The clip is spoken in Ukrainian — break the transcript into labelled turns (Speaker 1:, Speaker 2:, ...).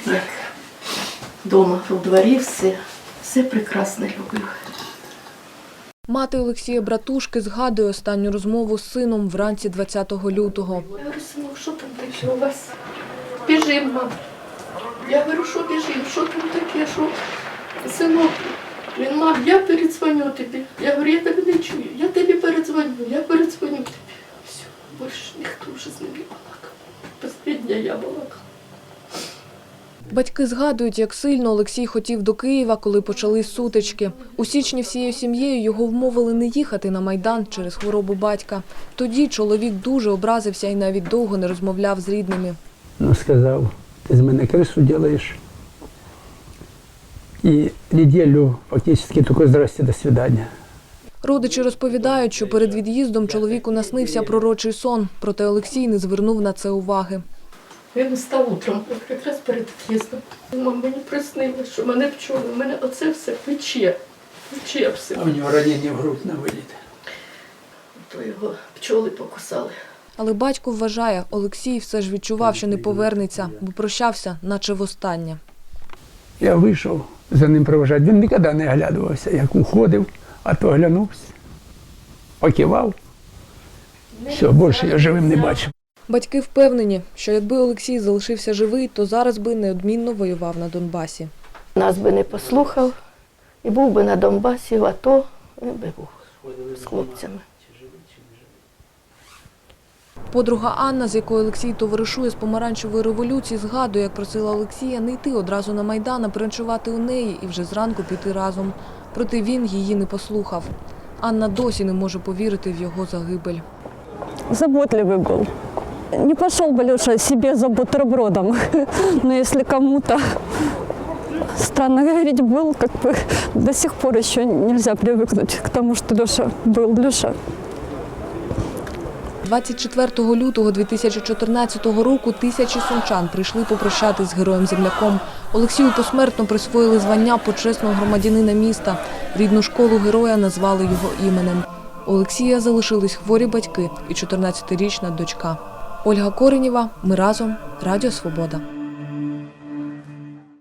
Speaker 1: як вдома, у дворі все прекрасно робив.
Speaker 2: Мати Олексія Братушки згадує останню розмову з сином вранці 20 лютого.
Speaker 1: Я говорю, синок, що там таке у вас? Біжим, мам. Я говорю, що біжим, що там таке, що? Синок, він, мам, я передзвоню тобі. Я говорю, я тебе не чую, я тобі передзвоню тобі. Все, більше ніхто вже з ним не балакав. Останнє я балакала.
Speaker 2: Батьки згадують, як сильно Олексій хотів до Києва, коли почались сутички. У січні всією сім'єю його вмовили не їхати на Майдан через хворобу батька. Тоді чоловік дуже образився і навіть довго не розмовляв з рідними.
Speaker 3: Ну, сказав, ти з мене крису робиш. І неділю фактично тільки «здрасте, до свидання».
Speaker 2: Родичі розповідають, що перед від'їздом чоловіку наснився пророчий сон, проте Олексій не звернув на це уваги.
Speaker 1: Він встав утром, якраз перед від'їздом. Мама, мені приснилось, що мене пчоли, мене оце все пече все.
Speaker 3: А у нього ранення в грудь на виліт.
Speaker 1: То його пчоли покусали.
Speaker 2: Але батько вважає, Олексій все ж відчував, що не повернеться, бо прощався, наче востаннє.
Speaker 3: Я вийшов за ним провожати. Він ніколи не оглядувався, як уходив, а то оглянувся, покивав. Все, більше я живим не бачив.
Speaker 2: Батьки впевнені, що якби Олексій залишився живий, то зараз би неодмінно воював на Донбасі.
Speaker 1: Нас би не послухав і був би на Донбасі, в АТО, він би був з хлопцями.
Speaker 2: Подруга Анна, з якою Олексій товаришує з помаранчевої революції, згадує, як просила Олексія не йти одразу на Майдан, а переночувати у неї і вже зранку піти разом. Проте він її не послухав. Анна досі не може повірити в його загибель.
Speaker 4: Заботливый был. Не пошел бы Леша себе за бутербродом, но если кому-то, странно говорить, был, как бы до сих пор еще нельзя привыкнуть к тому, что Леша был Леша.
Speaker 2: 24 лютого 2014 року тисячі сумчан прийшли попрощатись з героєм-земляком. Олексію посмертно присвоїли звання почесного громадянина міста. Рідну школу героя назвали його іменем. У Олексія залишились хворі батьки і 14-річна дочка. Ольга Коренєва, ми разом, Радіо Свобода.